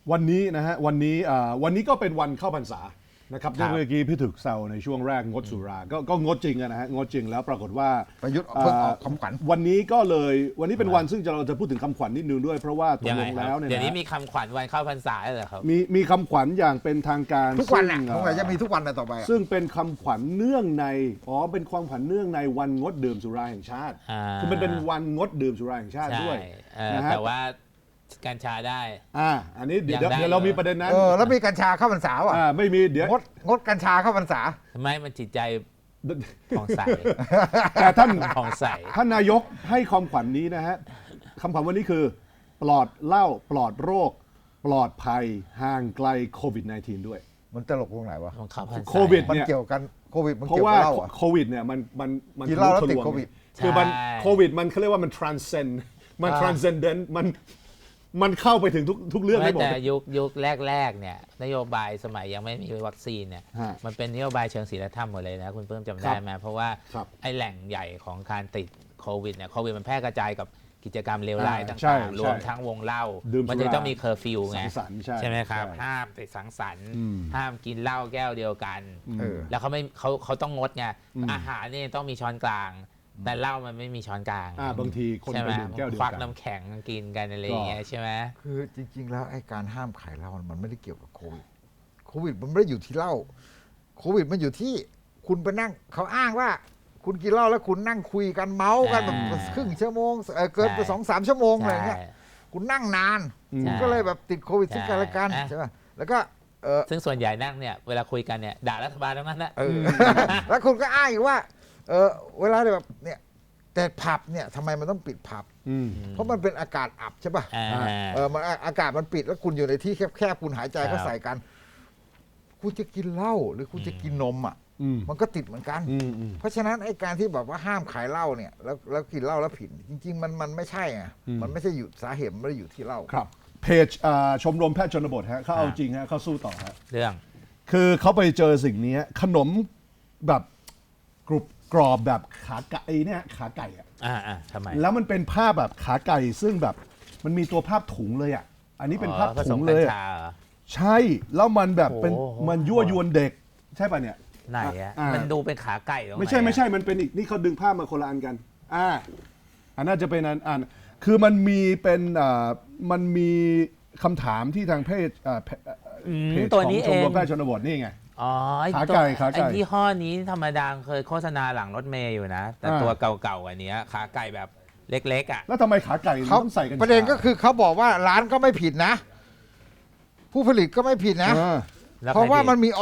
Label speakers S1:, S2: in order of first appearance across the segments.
S1: วันนี้นะฮะวันนี้ก็เป็นวันเข้าพรรษานะครับเมื่อกี้พี่ถึกแซวในช่วงแรกงดสุราก็งดจริงนะฮะงดจริงแล้วปรากฏว่า
S2: ประยุทธ์เพิ่งออกคำขวัญ
S1: วันนี้เป็นวันซึ่งเราจะพูดถึงคำขวัญนิดนึงด้วยเพราะว่าตกลงแล้วเนี่ย
S3: เดี๋ยวนี้มีคำขวัญวันเข้าพรรษาเหรอครับ
S1: มีคำขวัญอย่างเป็นทางการ
S2: ทุกวันน่ะคงจะมีทุกวันต่อไป
S1: ซึ่งเป็นคำขวัญเนื่องในเป็นความขวัญเนื่องในวันงดดื่มสุราแห่งชาติคือมันเป็นวันงดดื่มสุราแห่งชาติด้วย
S3: นะฮะแต่ว่ากัญชาได้
S1: อันนี้เดี๋ยวเรามีประเด็นนั้น
S2: แล้วมีกัญชาเข้าพรรษาอ่ะ
S1: ไม่มีเดี๋ยว
S2: งดกัญชาเข้าพรรษา
S3: ไม่มันจิตใจผ่องใส
S1: แต่ท่าน
S3: ผ่องใส
S1: ท่านนายกให้ความขวัญนี้นะฮะคำขวัญวันนี้คือปลอดเหล้าปลอดโรคปลอดภัยห่างไกลโควิด -19 ด้วย
S2: มันตลกตรงไหนวะ
S1: โควิด
S2: มัน
S1: เนี่ย
S2: เกี่ยวกันโควิดมัน
S1: เกี่ยวกับเหล้าโควิดเนี่ยมัน
S2: กินเหล้าแล้วติดโควิด
S1: คือมันโควิดมันเขาเรียกว่ามัน transcendent มันเข้าไปถึงทุกเรื่องได้หมด
S3: แต่ยุคแรกเนี่ยนโยบายสมัยยังไม่มีวัคซีนเนี่ยมันเป็นนโยบายเชิงศีลธรรมหมดเลยนะคุณเพิ่มจำได้ไหมเพราะว่าไอ้แหล่งใหญ่ของการติดโควิดเนี่ยโควิดมันแพร่กระจายกับกิจกรรมเลวร้ายต่างๆรวมทั้งวงเล่ามันจะต้องมีเคอร์ฟิวไงใช่ไหมครับห้ามไปสังสรรค์ห้ามกินเหล้าแก้วเดียวกันแล้วเขาต้องงดไงอาหารนี่ต้องมีช้อนกลางแต่เหล้ามันไม่มีช้อนกลาง
S1: บางทีคนไปดื่มแก้วเดียวกัน
S3: ควักน้ำแข็งกินกันอะไรอย่างเงี้ยใช่ไหม
S2: คือจริงๆแล้วไอ้การห้ามขายเหล้ามันไม่ได้เกี่ยวกับโควิดมันไม่ได้อยู่ที่เหล้าโควิดมันอยู่ที่คุณไปนั่งเขาอ้างว่าคุณกินเหล้าแล้วคุณนั่งคุยกันเมาส์กันแบบครึ่งชั่วโมงเกินไป2-3 ชั่วโมงอะไรเงี้ยคุณนั่งนานก็เลยแบบติดโควิดซึ่งกันและกันใช่ป่ะแล้วก็
S3: ซึ่งส่วนใหญ่นั่งเนี่ยเวลาคุยกันเนี่ยด่ารัฐบาลทั้งนั้นนะ
S2: แล้วคุณก็อ้างอีกว่าเวลาแบบเนี่ยแต่ผับเนี่ยทำไมมันต้องปิดผับเพราะมันเป็นอากาศอับใช่ป่ะมันอากาศมันปิดแล้วคุณอยู่ในที่แคบๆคุณหายใจก็ใส่กันคุณจะกินเหล้าหรือคุณจะกินนมมันก็ติดเหมือนกันเพราะฉะนั้นไอ้การที่แบบว่าห้ามขายเหล้าเนี่ยแล้วกินเหล้าแล้วผิดจริงๆมันไม่ใช่ไงมันไม่ใช่อยู่สาเหตุไม่ได้อยู่ที่เหล้า
S1: ครับเพจชมรมแพทย์ชนบทฮะเขาเอาจริงฮะเขาสู้ต่อฮะ
S3: เรื่อง
S1: คือเขาไปเจอสิ่งนี้ขนมแบบกรอบแบบขาไก่เนี่ยขาไก่
S3: ทำไม
S1: แล้วมันเป็นภาพแบบขาไก่ซึ่งแบบมันมีตัวภาพถุงเลยอันนี้เป็นภาพถุงเลยใช่แล้วมันแบบเป็นมันยั่วยวนเด็กใช่ป่ะเนี่ย
S3: ไหนมันดูเป็นขาไก่
S1: ไม่ใช่มันเป็นอีกนี่เขาดึงภาพมาคนละอันกันอันน่าจะเป็นอันคือมันมีเป็นมันมีคำถามที่ทางเพจของชมรมแพทย์ชนบทนี่ไงขาไก่
S3: ไอ้ยี่ห้อนี้ธรรมดาเคยโฆษณาหลังรถเมย์อยู่นะแต่ตัวเก่าๆอันนี้ขาไก่แบบเล็กๆ
S1: แล้วทำไมขาไก่ต้องใส่กัน
S2: ประเด็นก็คือเขาบอกว่าร้านก็ไม่ผิดนะผู้ผลิตก็ไม่ผิดนะเพราะว่ามันมีอย.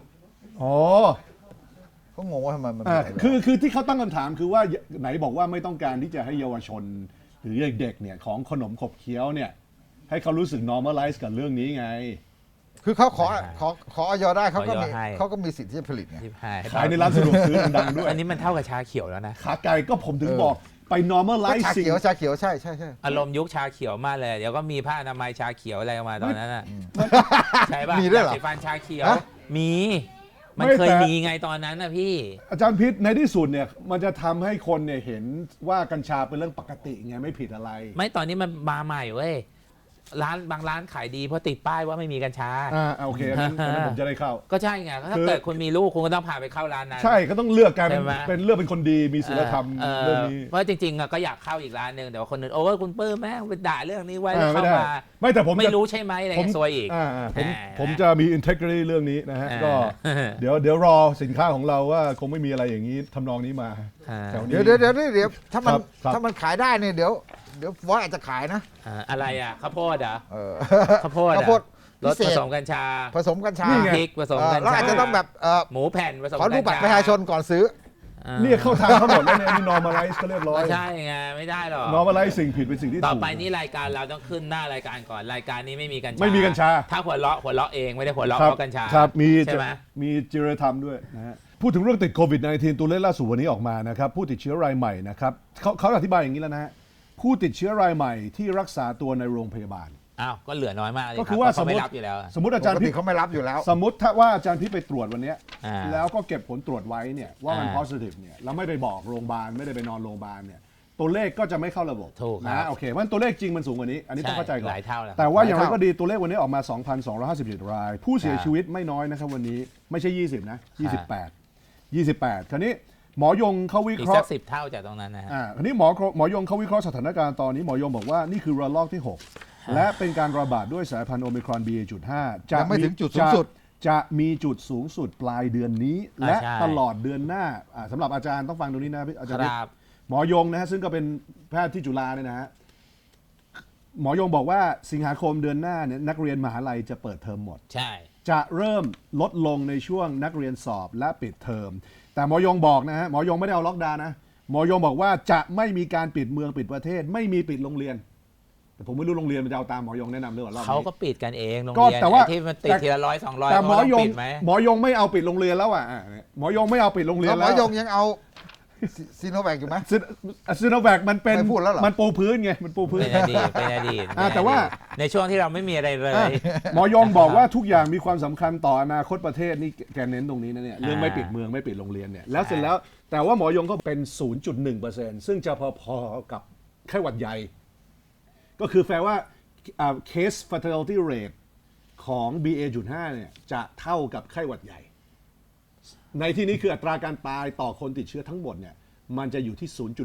S2: เขางงว่าทำไมมัน
S1: คือที่เขาตั้งคำถามคือว่าไหนบอกว่าไม่ต้องการที่จะให้เยาวชนหรือเด็กๆเนี่ยของขนมขบเคี้ยวเนี่ยให้เขารู้สึก normalize กับเรื่องนี้ไง
S2: คือเขาขออย.ได้เขาก็มีสิทธิ์ที่จะผลิตไง
S1: ขายในร้านสะดวกซื้อดังด้วย
S3: อันนี้มันเท่ากับชาเขียวแล้วนะ
S1: ขาไก่ก็ผมถึงบอกไป normalize
S2: ชาเขียวใช่
S3: อารมณ์ยุคชาเขียวมากเลยเดี๋ยวก็มีผ้าอนามัยชาเขียวอะไรมาตอนนั้นน่ะใช่ป่ะ
S2: มีด้วยเหรอ
S3: สีฟันชาเขียวมีมันเคยมีไงตอนนั้นนะพี่
S1: อาจารย์พิษในที่สุดเนี่ยมันจะทำให้คนเนี่ยเห็นว่ากัญชาเป็นเรื่องปกติไงไม่ผิดอะไร
S3: ไม่ตอนนี้มันมาใหม่เว้ยบางร้านขายดีเพราะติดป้ายว่าไม่มีกัญชา
S1: โอเคงั้นผมจะได้เข้า
S3: ก็ใช่ไงถ้าเกิดคุณมีลูกคุณก็ต้องพาไปเข้าร้านนั้น
S1: ใช่ก็ต้องเลือกกลายเป็นเลือกเป็นคนดีมีศีลธรรมเรื่องนี้
S3: เพราะจริงๆก็อยากเข้าอีกร้านนึงแต่ว่าคนอื่นโอ้คุณเปิ้ลแม่งไปด่าเรื่องนี้ไว้แล้วเข้ามา
S1: ไม่แต่ผม
S3: ไม่รู้ใช่ไหมอะไรซวยอีก
S1: ผมจะมี integrity เรื่องนี้นะฮะก็เดี๋ยวรอสินค้าของเราว่าคงไม่มีอะไรอย่างนี้ทำนองนี้มา
S2: เดี๋ยวถ้ามันขายได้เนี่ยเดี๋ยวว่าอาจจะขายนะ
S3: อะไรข้าวโพดข้าวโพดรสผสมกัญชา
S2: พริ
S3: กผสมกัญชา
S2: แล้วอาจจะต้องแบบ
S3: หมูแผ่นผสมกัญชา
S2: ขอดูบัตรประชาชนก่อนซื้อ
S1: เนี่ยเข้าทางเขาหมดแล้วเนี่ยนี่ normalize ก็เรียบร้อย
S3: ใช่ไงไม่ได้หรอก
S1: normalize สิ่งผิดเป็นสิ่งที่ถูก
S3: ต่อไปนี่รายการเราต้องขึ้นหน้ารายการก่อนรายการนี้ไม่มีกัญชาถ้าหัวเราะเองไม่ได้หัวเราะเพราะกัญชา
S1: ครับมีจริยธรรมด้วยนะฮะพูดถึงเรื่องติดโควิด -19 ตัวเลขล่าสุดวันนี้ออกมานะครับผู้ติดเชื้อรายใหม่นะครับเขาอธิบายอย่างนี้แล้วนะฮะผู้ติดเชื้อรายใหม่ที่รักษาตัวในโรงพยาบาล
S3: ก็เหลือน้อยมากเลย
S1: ก็คือว่า
S3: สมม
S1: ติอาจารย์พี่
S2: เขาไม่รับอยู่แล้ว
S1: สมมติถ้าว่าอาจารย์พี่ไปตรวจวันนี้แล้วก็เก็บผลตรวจไว้เนี่ยว่ามัน positive เนี่ยแล้วไม่ไปบอกโรงพยาบาลไม่ได้ไปนอนโรงพยาบาลเนี่ยตัวเลขก็จะไม่เข้าระบบ
S3: ถูกครับ
S1: นะโอเคเพราะฉะนั้นตัวเลขจริงมันสูงกว่านี้ อันนี้ต้องเข้าใจก่อน
S3: หลายเท่าแล้ว
S1: แต่ว่าอย่างไรก็ดีตัวเลขวันนี้ออกมา 2,257 ราย ผู้เสียชีวิตไม่น้อยนะครับวันนี้ไม่ใช่ 20 นะ 28 คราวนี้หมอยงเขาวิ
S3: อี
S1: เค
S3: ก
S1: ราะ
S3: สัก
S1: ห์
S3: 10 เท่าจากตรงนั้นนะฮะ
S1: คราวนี้หมอยงเขาวิเคราะห์สถานการณ์ตอนนี้หมอยงบอกว่านี่คือระลอกที่ 6 และเป็นการระบาดด้วยสายพันธุ์โอมิครอน BA.5
S2: ยังไม่ถึงจุดสูงสุด
S1: จะมีจุดสูงสุดปลายเดือนนี้ และ
S3: ใช่
S1: ตลอดเดือนหน้าสำหรับอาจารย์ต้องฟังตรงนี้นะอาจารย์
S3: ครับ
S1: หมอยงนะฮะซึ่งก็เป็นแพทย์ที่จุฬาเนี่ยนะฮะหมอยงบอกว่าสิงหาคมเดือนหน้าเนี่ยนักเรียนมหาลัยจะเปิดเทอมหมด
S3: ใช่
S1: จะเริ่มลดลงในช่วงนักเรียนสอบและปิดเทอมแต่หมอยงบอกนะฮะหมอยงไม่ได้เอาล็อกดาวน์นะหมอยงบอกว่าจะไม่มีการปิดเมืองปิดประเทศ ไม่มีปิดโรงเรียนแต่ผมไม่รู้โรงเรียนมันจะเอาตามหมอยงแนะนำหรือเปล่ารอบนี้
S3: เขาก็ปิดกันเองโรง
S1: ก็
S3: เรียน
S1: แต่ว่า
S3: ไอ้ที่มันติดทีละ100-200
S1: แต่หมอยง
S3: ปิดไหม
S1: หมอยงไม่เอาปิดโรงเรียนแล้วอ่ะหมอยงไม่เอาปิดโรงเรียน
S2: แล้วหม
S1: แล้
S2: อ
S1: วย
S2: งยังเอาซีโนแวคอยู่ไหม
S1: ซีโนแวคมันเป็น
S2: ไม่พูดแล้วเหรอ
S1: มันปูพื้นไงมันปูพื้น
S3: เป็นอดีตเป็นอดีต
S1: แต่ว่า
S3: ในช่วงที่เราไม่มีอะไรเลย
S1: หมอยงบอกว่าทุกอย่างมีความสำคัญต่ออนาคตประเทศนี่แกเน้นตรงนี้นะเนี่ยเรื่องไม่ปิดเมืองไม่ปิดโรงเรียนเนี่ยแล้วเสร็จแล้วแต่ว่าหมอยงก็เป็น 0.1% ซึ่งจะพอๆกับไข้หวัดใหญ่ ก็คือแปลว่าcase fatality rate ของ BA.5 เนี่ยจะเท่ากับไข้หวัดใหญ่ ในที่นี้คืออัตราการตายต่อคนติดเชื้อทั้งหมดเนี่ยมันจะอยู่ที่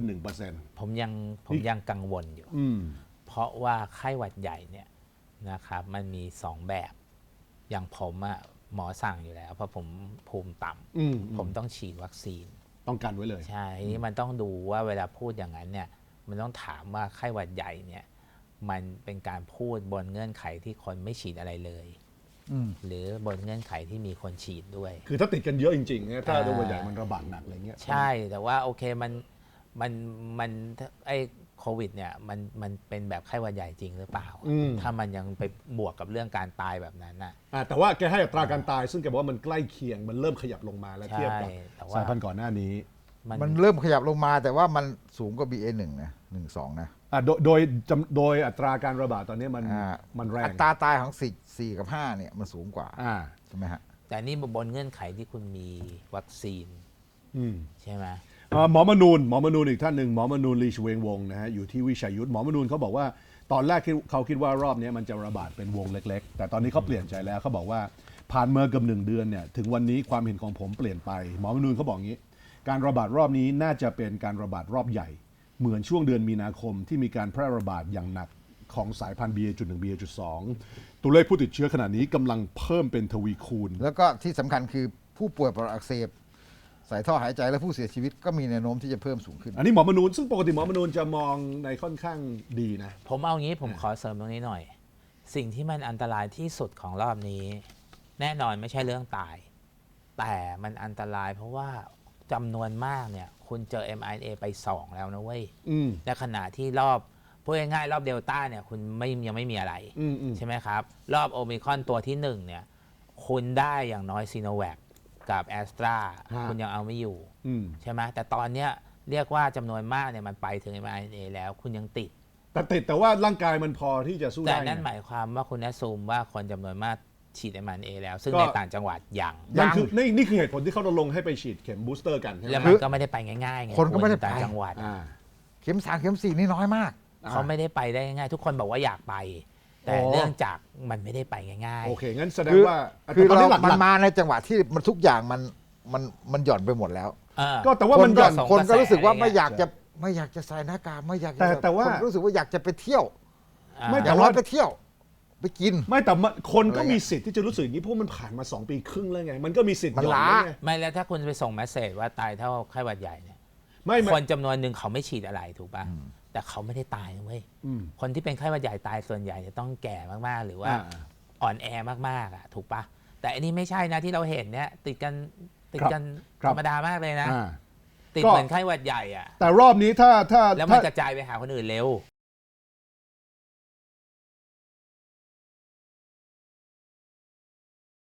S1: 0.1%
S3: ผมยังกังวลอยู่ เพราะว่าไข้หวัดใหญ่เนี่ยนะครับมันมี 2 แบบ อย่างผมอะหมอสั่งอยู่แล้ว เพราะผมภูมิต่ำผมต้องฉีดวัคซีน
S1: ต้องกันไว้เลย
S3: ใช่ทีนี้มันต้องดูว่าเวลาพูดอย่างนั้นเนี่ยมันต้องถามว่าไข้หวัดใหญ่เนี่ยมันเป็นการพูดบนเงื่อนไขที่คนไม่ฉีดอะไรเลย หรือบนเงื่อนไขที่มีคนฉีดด้วย
S1: คือถ้าติดกันเยอะจริงๆเนี่ยถ้าไข้หวัดใหญ่มันระบาดหนักอะไรเงี้ย
S3: ใช่แต่ว่าโอเคมันไอ้โควิดเนี่ยมันเป็นแบบไข้หวัดใหญ่จริงหรือเปล่า ถ้ามันยังไปบวกกับเรื่องการตายแบบนั้นน่ะ
S1: แต่ว่าแกให้อัตราการตายซึ่งแกบอกว่ามันใกล้เคียงมันเริ่มขยับลงมาแล้ว
S3: ใช่
S1: เทียบกับ
S3: แต่ว่า
S1: สายพันธุ์ก่อนหน้านี้
S2: มันเริ่มขยับลงมาแต่ว่ามันสูงกว่า BA1 นะ1-2 นะ
S1: โดยอัตราการระบาดตอนนี้มันแรง
S2: อัตราตายของ4กับ5เนี่ยมันสูงกว่าใช่ไหมฮะ
S3: แต่นี่บนเงื่อนไขที่คุณมีวัคซีนใช่ไหม
S1: หมอมนูนอีกท่านหนึ่งหมอมนูนลีชเวงวงนะฮะอยู่ที่วิชัยยุทธหมอมนูนเขาบอกว่าตอนแรกเขาคิดว่ารอบนี้มันจะระบาดเป็นวงเล็กๆแต่ตอนนี้เขาเปลี่ยนใจแล้วเขาบอกว่าผ่านเมื่อเกือบ1 เดือนเนี่ยถึงวันนี้ความเห็นของผมเปลี่ยนไปหมอมนูนเขาบอกงี้การระบาดรอบนี้น่าจะเป็นการระบาดรอบใหญ่เหมือนช่วงเดือนมีนาคมที่มีการแพร่ระบาดอย่างหนักของสายพันธุ์ BA.1 BA.2 ตัวเลขผู้ติดเชื้อขณะนี้กำลังเพิ่มเป็นทวีคูณ
S2: แล้วก็ที่สำคัญคือผู้ป่วยปอดอักเสบใส่ท่อหายใจและผู้เสียชีวิตก็มีแนวโน้มที่จะเพิ่มสูงขึ้น
S1: อันนี้หมอมนูนซึ่งปกติหมอมนูนจะมองในค่อนข้างดีนะ
S3: ผมเอางี้ผมขอเสริมตรงนี้หน่อย สิ่งที่มันอันตรายที่สุดของรอบนี้ แน่นอนไม่ใช่เรื่องตาย แต่มันอันตรายเพราะว่าจำนวนมากเนี่ยคุณเจอ mRNA ไป 2 แล้วนะเว้ยในขณะที่รอบพูดง่ายๆรอบเดลต้าเนี่ยคุณยังไม่มีอะไรใช่ไหมครับ รอบโอมิครอนตัวที่ 1เนี่ยคุณได้อย่างน้อยซีโนแวคกับแอสตราคุณยังเอาไม่อยู่ใช่ไหมแต่ตอนเนี้ยเรียกว่าจำนวนมากเนี่ยมันไปถึง mRNA แล้วคุณยังติด
S1: แต่ว่าร่างกายมันพอที่จะสู้ได้
S3: แต่นั่นหมายความว่าคุณแอสซูมว่าคนจำนวนมากฉีด mRNA แล้วซึ่งในต่างจังหวัดยัง
S1: นี่คือเหตุผลที่เขาลงให้ไปฉีดเข็มบูสเตอร์กันใช่ไหม
S3: แล้วมันก็ไม่ได้ไปง่ายๆไง
S2: คนก็ไม่ได้ไป
S3: ต่างจังหวัด
S2: เข็ม3เข็ม4นี่น้อยมาก
S3: เขาไม่ได้ไปได้ง่ายๆทุกคนบอกว่าอยากไป แต่เนื่องจากมันไม่ได้ไปง่ายๆ
S1: โอเคงั้นแสดงว่า
S2: คือ
S1: ตอนนี้หลั
S2: มัน
S1: ก
S2: มาในจังหวะที่มันทุกอย่างมันหย่อนไปหมดแล้ว
S1: ก็แต่ว่ามันหย่อน
S2: คนก็รู้สึกว่าไม่อยากจะใส่หน้ากากไม่อยากจะ
S1: แต่ว่า
S2: คนรู้สึกว่าอยากจะไปเที่ยว
S1: ไม่
S2: อ
S1: แต่
S2: ย่างน้
S1: ว่า
S2: อยไปเที่ยว ไปกิน
S1: ไม่แต่คนก็
S2: อะไรเงี้ย
S1: มีสิทธิ์ที่จะรู้สึกอย่างนี้เพราะมันผ่านมา2 ปีครึ่งแล้วไงมันก็มีสิทธิ์
S2: มัน
S1: หย่อน
S2: ล้า
S1: แล้วไง
S3: ไม่แล้วถ้าคุณไปส่งเมสเซจว่าตายเท่าไข้หวัดใหญ่เนี่ย
S1: ไม่
S3: คนจำนวนหนึ่งเขาไม่ฉีดอะไรถูกป่ะแต่เขาไม่ได้ตายนะเว้ยคนที่เป็นไข้หวัดใหญ่ตายส่วนใหญ่จะต้องแก่มากๆหรือว่าอ่อนแอมากๆอ่ะถูกป่ะแต่อันนี้ไม่ใช่นะที่เราเห็นเนี่ยติดกันธรรมดามากเลยนะติดเหมือนไข้หวัดใหญ่อ่ะ
S1: แต่รอบนี้ถ้า
S3: แล้วมันกระจายไปหาคนอื่นเร็ว